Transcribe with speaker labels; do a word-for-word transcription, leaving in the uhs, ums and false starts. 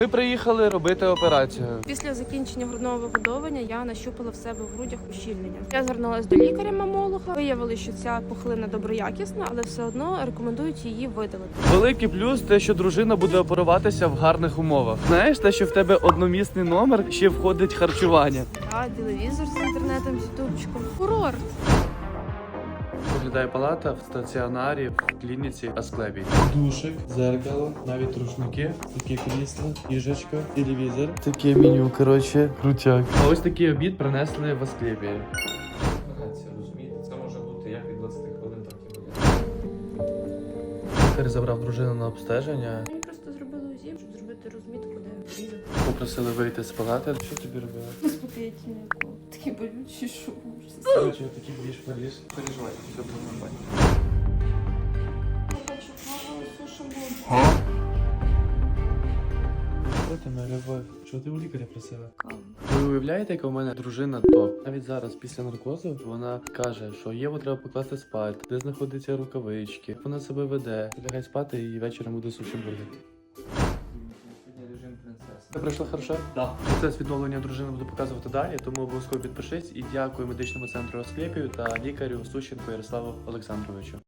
Speaker 1: Ми приїхали робити операцію.
Speaker 2: Після закінчення грудного вигодовування я нащупала в себе в грудях ущільнення. Я звернулася до лікаря-мамолога. Виявили, що ця пухлина доброякісна, але все одно рекомендують її видалити.
Speaker 1: Великий плюс те, що дружина буде оперуватися в гарних умовах. Знаєш, те, що в тебе одномісний номер, ще входить харчування.
Speaker 2: А телевізор з інтернетом, з ютубчиком. Курорт.
Speaker 1: Виглядає палата в стаціонарі, в клініці Асклепій. Душик, зеркало, навіть рушники, такі крісла, їжачка, телевізор. Таке меню, коротше, крутяк. А ось такий обід принесли в Асклепії.
Speaker 3: Розумієте, це може бути як від двадцяти хвилин, так і годин.
Speaker 1: Лікар забрав дружину на обстеження.
Speaker 2: Мені просто зробили УЗІ, щоб зробити розмітку, де різати.
Speaker 1: Попросили вийти з палати. Що тобі робили?
Speaker 2: Успокоїтельнику. Такі болючі, що
Speaker 1: Коротше, такий більш поліз.
Speaker 3: Переживайте, все буде нормально.
Speaker 2: Я хочу каву, суші.
Speaker 1: Що ти, моя любов? Що ти у лікаря просила?
Speaker 2: Каву.
Speaker 1: Ви уявляєте, яка в мене дружина топ? Навіть зараз, після наркозу, вона каже, що Єву треба покласти спати, де знаходяться рукавички, як вона себе веде. Лягай спати і вечором буде суші бургер.
Speaker 3: Сьогодні режим принцеси.
Speaker 1: Це пройшло хорошо?
Speaker 3: Так.
Speaker 1: Процес відновлення дружини буду показувати далі, тому обов'язково підпишись і дякую медичному центру Асклепію та лікарю Сущенко Ярославу Олександровичу.